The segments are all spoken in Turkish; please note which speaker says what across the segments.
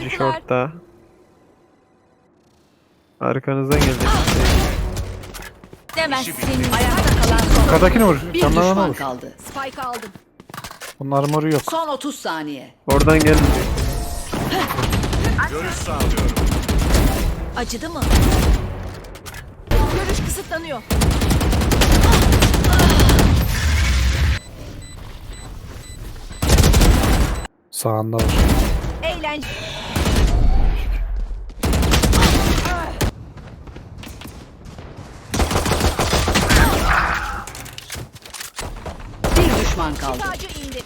Speaker 1: Biri shortta. Arkanızdan gelecek.
Speaker 2: Demezsin. Ayakta kalan son.
Speaker 3: Yukarıdakini vur.
Speaker 4: Bir
Speaker 3: Canlarına
Speaker 4: düşman
Speaker 3: vur.
Speaker 4: kaldı.
Speaker 2: Spike aldım.
Speaker 3: Bunun armoru yok.
Speaker 4: Son 30 saniye.
Speaker 1: Oradan gelmeyecek.
Speaker 5: Görüş sağlıyorum.
Speaker 2: Acıdı mı? Görüş kısıtlanıyor.
Speaker 3: Sağında var.
Speaker 2: Eğlence.
Speaker 4: Bir düşman kaldı.
Speaker 2: Tacı indi.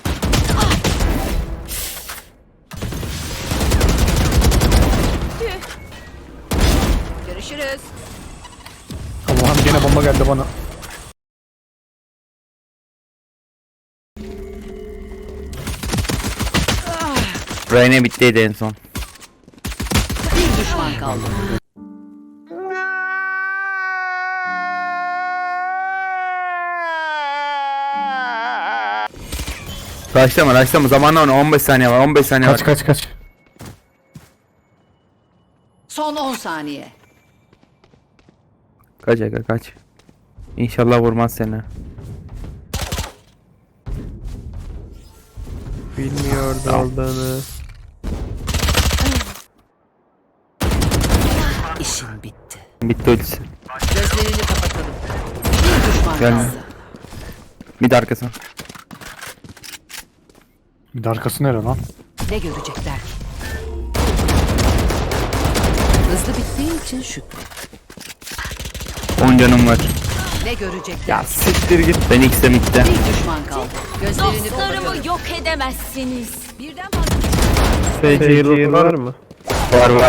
Speaker 2: Tüh. Görüşürüz.
Speaker 3: Allah'ım gene bomba geldi bana.
Speaker 6: Reyne bittiydi en son.
Speaker 4: Bir düşman kaldı.
Speaker 6: Raşlama zamanla onu 15 saniye var 15 saniye var.
Speaker 3: Kaç.
Speaker 4: Son 10 saniye.
Speaker 6: Kaç aga kaç. İnşallah vurmaz seni.
Speaker 1: Bilmiyordu aldığını.
Speaker 4: İşin bitti.
Speaker 6: Bitti ultisi.
Speaker 4: Gözlerini kapatalım. Bir düşman
Speaker 6: Gelme.
Speaker 4: kaldı.
Speaker 6: Mid arkası.
Speaker 3: Bir de arkası nere lan?
Speaker 4: Ne görecekler ki? Hızlı bittiği için şükret.
Speaker 6: 10 canım var.
Speaker 4: Ne görecekler?
Speaker 6: Ya siktir git. Ben X'e midde.
Speaker 4: Bir düşman kaldı. Gözlerini kapatalım.
Speaker 2: Dostlarımı yok edemezsiniz. Birden fazla.
Speaker 1: Sage heal var mı?
Speaker 6: Var.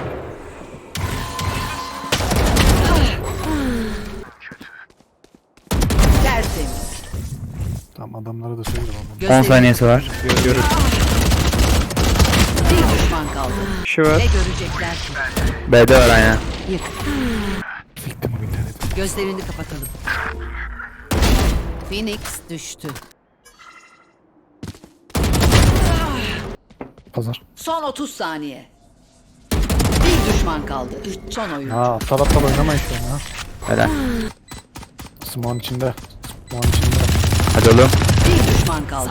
Speaker 4: Tertemiz.
Speaker 3: Tamam adamlara da söyle oğlum.
Speaker 6: 10
Speaker 4: Gözlerini-
Speaker 6: saniyesi var.
Speaker 1: Görür.
Speaker 4: Bir düşman kaldı.
Speaker 1: Kişi var.
Speaker 4: Ne görecekler ki?
Speaker 6: B'de var aynen.
Speaker 4: Yık.
Speaker 3: Siktim o interneti.
Speaker 4: Gözlerini kapatalım. Phoenix düştü.
Speaker 3: Pazar.
Speaker 4: Son 30 saniye. Bir düşman kaldı. Son oyun.
Speaker 3: Ha aptal oynamayın şu an ha.
Speaker 6: Helal.
Speaker 3: Smoke'un içinde. Smoke'un içinde.
Speaker 6: Hadi oğlum.
Speaker 4: Bir düşman kaldı.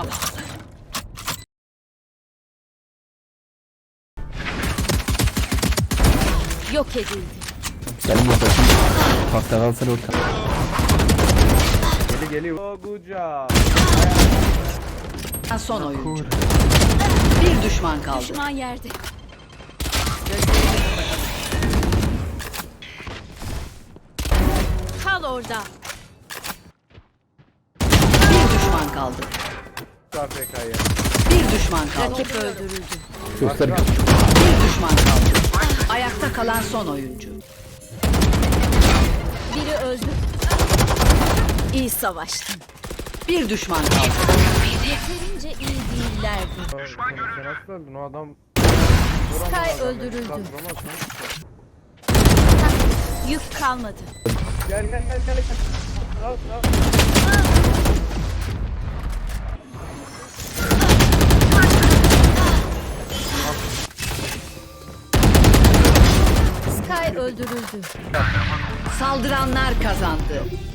Speaker 2: Yok edildi.
Speaker 6: Gelin bakalım. Bak da alsana orta.
Speaker 4: Son oyuncu. Bir düşman kaldı.
Speaker 2: Düşman yerde.
Speaker 4: Gözlerini kapatalım.
Speaker 2: Kal orada.
Speaker 4: Bir düşman kaldı. Bir düşman kaldı.
Speaker 2: Rakip öldürüldü.
Speaker 6: Göster.
Speaker 4: Bir düşman kaldı. Ayakta kalan son oyuncu.
Speaker 2: Biri öldü. İyi savaştın.
Speaker 4: Bir düşman kaldı.
Speaker 2: Yeterince iyi değillerdi. Sky öldürüldü. Yük kalmadı. Sky öldürüldü.
Speaker 4: Saldıranlar kazandı.